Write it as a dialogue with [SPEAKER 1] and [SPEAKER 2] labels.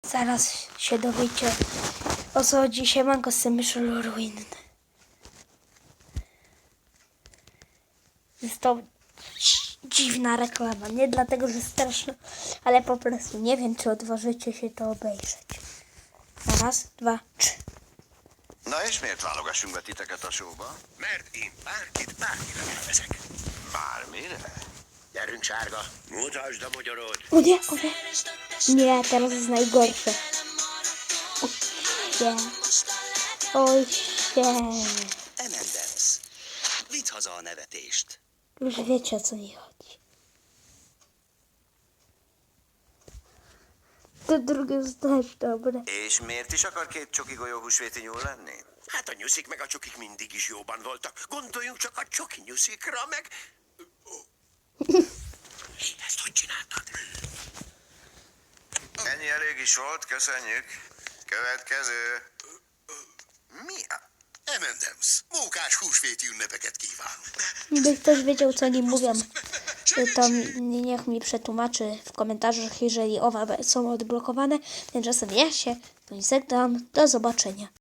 [SPEAKER 1] Zaraz się dowiecie, o co chodzi. Siemanko, z tym Michel Ruin. Jest to dziwna reklama. Nie dlatego, że straszna, ale po prostu nie wiem, czy odważycie się to obejrzeć. Raz, dwa, trzy.
[SPEAKER 2] Na és miért válogassunk be titeket a showba?
[SPEAKER 3] Mert én bármire nevezek.
[SPEAKER 2] Bármire?
[SPEAKER 3] Gyerünk, sárga, mutasd a magyarod.
[SPEAKER 1] O nie, o nie. Nie, teraz jest najgorsze. Oj się.
[SPEAKER 3] Emendens, vidd haza a nevetést.
[SPEAKER 1] Już wiecie, o co mi chodzi. To drugie jest też dobre.
[SPEAKER 2] És miért is akar két csoki golyó húsvéti nyúl lenni?
[SPEAKER 3] Hát a nyuszik meg a csokik mindig is jóban voltak. Gondoljunk csak a csoki nyuszikra, meg... Ezt hogy csináltad?
[SPEAKER 2] Ennyi elég is volt, köszönjük. Következő. Mi a...
[SPEAKER 3] Emendens, mókás húsvéti ünnepeket kívánunk.
[SPEAKER 1] Gdyby ktoś wiedział, co oni mówią, to niech mi przetłumaczy w komentarzach, jeżeli owa są odblokowane. Tymczasem ja się żegnam. Do zobaczenia.